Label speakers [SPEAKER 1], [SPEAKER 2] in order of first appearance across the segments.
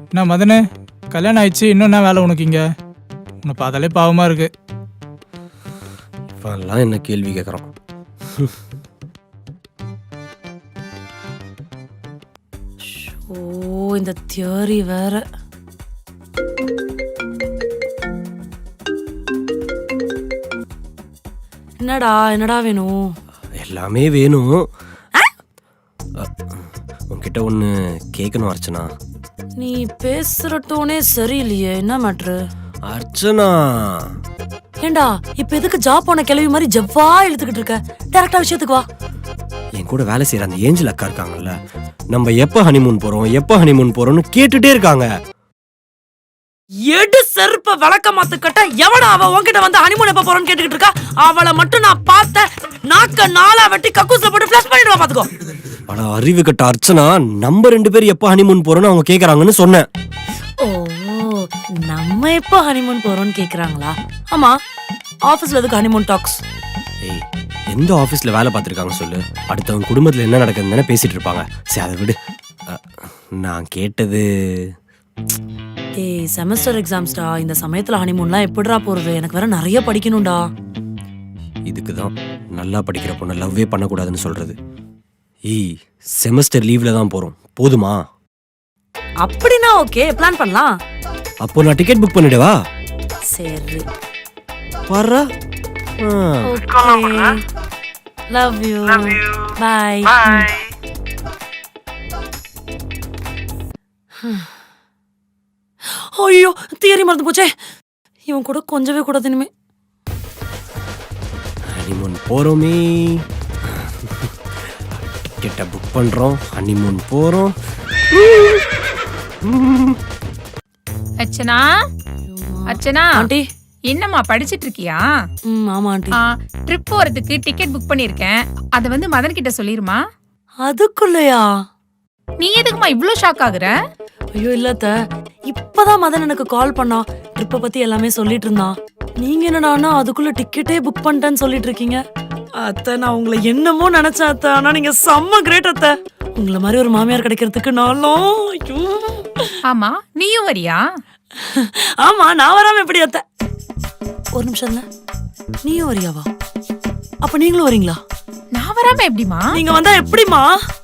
[SPEAKER 1] என்ன மதனு, கல்யாணம் ஆயிடுச்சு, இன்னும் என்ன வேலை உனக்கு இங்க? உன்னை பார்த்தாலே பாவமா இருக்கு.
[SPEAKER 2] இப்பெல்லாம் என்ன கேள்வி கேட்குறான்?
[SPEAKER 3] ஓ, இந்த தியரி வேற. என்னடா வேணும்?
[SPEAKER 2] எல்லாமே வேணும். உன்கிட்ட ஒன்று கேட்கணும் அர்ச்சனா.
[SPEAKER 3] நீ பேசுற டோனே சரியில்லையே, என்ன மேட்ரு?
[SPEAKER 2] அர்ச்சனா,
[SPEAKER 3] ஏண்டா இப்ப எதுக்கு ஜாப் போன கிளவி மாதிரி ஜவ்வா இழுத்துக்கிட்டு இருக்க? டைரக்டா விஷயத்துக்கு வா.
[SPEAKER 2] என் கூட வேலை செய்யற அந்த ஏஞ்சல் அக்கா இருக்காங்கல்ல, நம்ம எப்ப ஹனிமூன் போறோம்னு கேட்டுட்டே இருக்காங்க.
[SPEAKER 3] எடு செருப்ப விளக்க மாத்துக்கிட்ட எவடா அவ உன்கிட்ட வந்து ஹனிமூன் எப்ப போறோம்னு கேட்டுக்கிட்டு இருக்கா? அவளை மட்டும் நான் பார்த்த நாக்க நாளா வெட்டி கக்கூஸ்ல போட்டு ஃபிளஷ் பண்ணிடுவா பாத்துக்கோ.
[SPEAKER 2] ஆனா அறிவு கட்ட அர்ச்சனா, நம்ம 2 பேரும் எப்ப ஹனிமூன் போறோம்னு அவங்க கேக்குறாங்கன்னு சொன்னேன்.
[SPEAKER 3] ஓ, நம்ம எப்ப ஹனிமூன் போறோம்னு கேக்குறாங்களா? ஆமா, ஆபீஸ்ல எதுக்கு ஹனிமூன் டாக்ஸ்?
[SPEAKER 2] ஏய், எந்த ஆபீஸ்ல வேலை பார்த்திருக்காங்க சொல்லு? அடுத்தவங்க குடும்பத்துல என்ன நடக்குதுன்னு பேசிட்டு இருப்பாங்க. சரி, அதை விடு. நான் கேட்டது,
[SPEAKER 3] ஏய், செமஸ்டர் எக்ஸாம்ஸ்டா. இந்த சமயத்துல ஹனிமூன்லாம் எப்படிடா போறது? எனக்கு வேற நிறைய படிக்கணும்டா.
[SPEAKER 2] இதுக்குதான் நல்லா படிக்கிற பொண்ணு லவ்வே பண்ணக்கூடாதுன்னு சொல்றது. ஏய், செமஸ்டர் லீவ்ல தான் போறோம், போதுமா?
[SPEAKER 3] அப்படின்னா ஓகே, பிளான் பண்ணலாம்.
[SPEAKER 2] அப்போ நான் டிக்கெட் புக் பண்ணிடவா?
[SPEAKER 3] சரி,
[SPEAKER 2] வர்றா.
[SPEAKER 3] Okay, love you, bye. ஐயோ, தியரி மறந்து போச்சே. இவன் கூட கொஞ்சவே கூடாது இனிமே.
[SPEAKER 2] ஹனிமூன் போறோமே, டிக்கெட்டை புக் பண்றோம், ஹனிமூன் போறோம்.
[SPEAKER 4] அர்ச்சனா, அர்ச்சனா
[SPEAKER 3] ஆண்டி.
[SPEAKER 4] என்னம்மா படிச்சிட்டு இருக்கியா?
[SPEAKER 3] ஆமா ஆண்டி.
[SPEAKER 4] ட்ரிப் போறதுக்கு டிக்கெட் புக் பண்ணிருக்கேன். அத வந்து மதன் கிட்ட சொல்லிருமா.
[SPEAKER 3] அதுக்குள்ளயா?
[SPEAKER 4] நீ எதுக்குமா இவ்ளோ ஷாக் ஆகுற?
[SPEAKER 3] ஐயோ இல்லத்த, இப்பதான் மதன் எனக்கு கால் பண்ணா. ட்ரிப்ப பத்தி எல்லாமே சொல்லிட்டு இருந்தான். நீங்க என்னடானா அதுக்குள்ள டிக்கெட்டே புக் பண்ணிட்டேன்னு சொல்லிட்டு இருக்கீங்க. அத்தை, நான் உங்களை என்னமோ நினைச்சேன் அத்தை. ஆனா நீங்க செம்ம கிரேட் அத்தை. உங்களை மாதிரி ஒரு மாமியார் கிடைக்கிறதுக்கு நாளும். ஐயோ.
[SPEAKER 4] ஆமா, நீயும் வரியா?
[SPEAKER 3] ஆமா, நான் வராம எப்படி அத்தை? ஒரு நிமிஷம் இல்ல, நீயும் வரியாவா? அப்ப நீங்களும் வரீங்களா?
[SPEAKER 4] நான் வராம எப்படிமா?
[SPEAKER 3] நீங்க வந்தா எப்படிமா?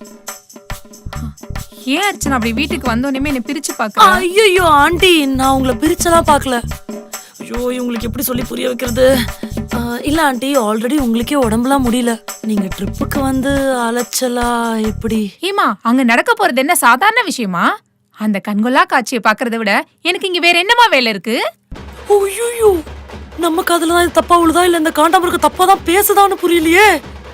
[SPEAKER 4] ஏன் அர்ச்சனா அப்படி வீட்டுக்கு வந்தோடனே என்ன பிரிச்சு பாக்க?
[SPEAKER 3] ஐயோ ஆண்டி, நான் உங்களை பிரிச்செல்லாம் பாக்கல. ஐயோ, உங்களுக்கு எப்படி சொல்லி புரிய வைக்கிறது? இல்ல ஆண்டி, ஆல்ரெடி உங்களுக்கே உடம்புலாம் முடியல. நீங்க ட்ரிப்புக்கு வந்து அலைச்சலா எப்படி?
[SPEAKER 4] ஏமா, அங்க நடக்க போறது என்ன சாதாரண விஷயமா? அந்த கண்கொள்ளா காட்சியை பாக்குறத விட எனக்கு இங்க வேற என்னமா வேலை இருக்கு?
[SPEAKER 3] ஐயோ, நம்ம காதுல தான் தப்பா உழுதா இல்ல இந்த காண்டாமிருக்க தப்பா தான் பேசுதான்னு புரியலையே.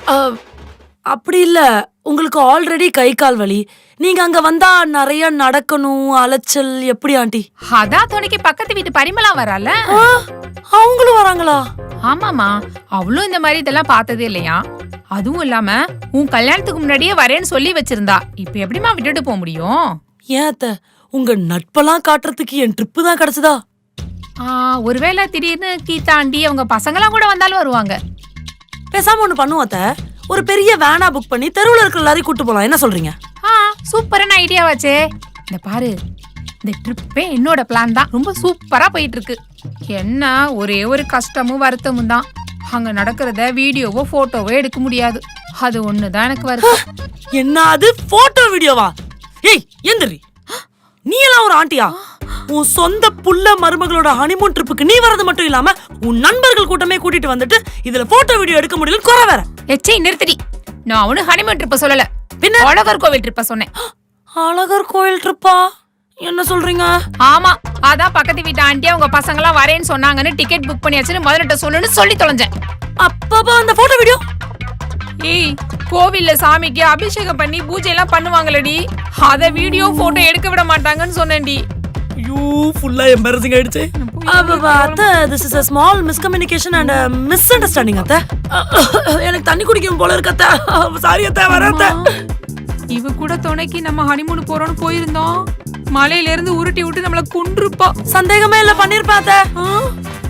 [SPEAKER 3] அப்படி இல்ல, உங்களுக்கு ஆல்ரெடி கை கால் வலி. நீங்க அங்க வந்தா நிறைய நடக்கணும், அலைச்சல் எப்படி ஆண்டி?
[SPEAKER 4] அதான் துணைக்கு பக்கத்து வீட்டு பரிமளா வரால,
[SPEAKER 3] அவங்களும் வராங்களா?
[SPEAKER 4] ஆமாமா, அவளும் இந்த மாதிரி இதெல்லாம் பார்த்ததே இல்லையா. அதுவும் இல்லாம உன் கல்யாணத்துக்கு முன்னாடியே வரேன்னு சொல்லி வச்சிருந்தா. இப்ப எப்படிமா விட்டுட்டு போக முடியும்?
[SPEAKER 3] ஏன் அத்தை, உங்க நட்பெல்லாம் காட்டுறதுக்கு என் ட்ரிப்பு தான் கிடைச்சதா?
[SPEAKER 4] ஒருவேளை திடீர்னு கீதாண்டி அவங்க பசங்களாம் கூட வந்தாலும் வருவாங்க.
[SPEAKER 3] பேசாம ஒண்ணு பண்ணுவோம் அத்தை, ஒரு பெரிய வேனா புக் பண்ணி தெருவுல இருக்கிற எல்லாரையும் கூட்டு போலாம். என்ன சொல்றீங்க?
[SPEAKER 4] சூப்பரான ஐடியாவாச்சே. இந்த பாரு, இந்த ட்ரிப்பே என்னோட பிளான் தான். ரொம்ப சூப்பரா போயிட்டு இருக்கு. என்ன ஒரே ஒரு கஷ்டமும் வருத்தமும் தான். அங்க நடக்கிறத வீடியோவோ போட்டோவோ எடுக்க முடியாது. அது ஒண்ணுதான் எனக்கு வருது.
[SPEAKER 3] என்ன அது போட்டோ வீடியோவா? ஏய் எந்திரி, நீ எல்லாம் ஒரு ஆண்டியா? உன் சொந்த புள்ள மருமகளோட ஹனிமூன் ட்ரிப்புக்கு நீ வரது மட்டும் இல்லாம உன் நண்பர்கள் கூட்டமே கூட்டிட்டு வந்துட்டு இதுல போட்டோ வீடியோ எடுக்க முடியல குறை வேற.
[SPEAKER 4] எச்சை நிறுத்தடி. நான் அவனு ஹனிமூன் ட்ரிப்ப சொல்லல, பின்ன அழகர் கோவில் ட்ரிப்ப சொன்னேன்.
[SPEAKER 3] அழகர் கோயில் ட்ரிப்பா? என்ன சொல்றீங்க?
[SPEAKER 4] ஆமா, அதான் பக்கத்து வீட்டு ஆண்டி அவங்க பசங்க எல்லாம் வரேன்னு சொன்னாங்கன்னு டிக்கெட் புக் பண்ணியாச்சுன்னு முதல்ல சொல்லணும்னு சொல்லி தொலைஞ்சேன்.
[SPEAKER 3] அப்பப்பா அந்த போட்டோ வீடியோ?
[SPEAKER 4] ஏய், கோவில்ல சாமிக்கு அபிஷேகம் பண்ணி பூஜை எல்லாம் பண்ணுவாங்களடி, அத வீடியோ போட்டோ எடுக்க விட மாட்டாங்கன்னு சொன்னேன்டி.
[SPEAKER 3] ஐயோ, ஃபுல்லா எம்பாரசிங் ஆயிடுச்சு. அத்தை, this is a small miscommunication and a misunderstanding அத்தை. எனக்கு தண்ணி குடிக்கும் போல இருக்கு அத்தை. சாரி அத்தை, வரேன் அத்தை.
[SPEAKER 4] இவ கூட துணைக்கு நம்ம ஹனிமூன் போறோம்னு போயிருந்தோம். மலையில இருந்து உருட்டி விட்டு நம்மள கொன்றுப்பா.
[SPEAKER 3] சந்தேகமே இல்ல, பண்ணிருப்பா அத்தை.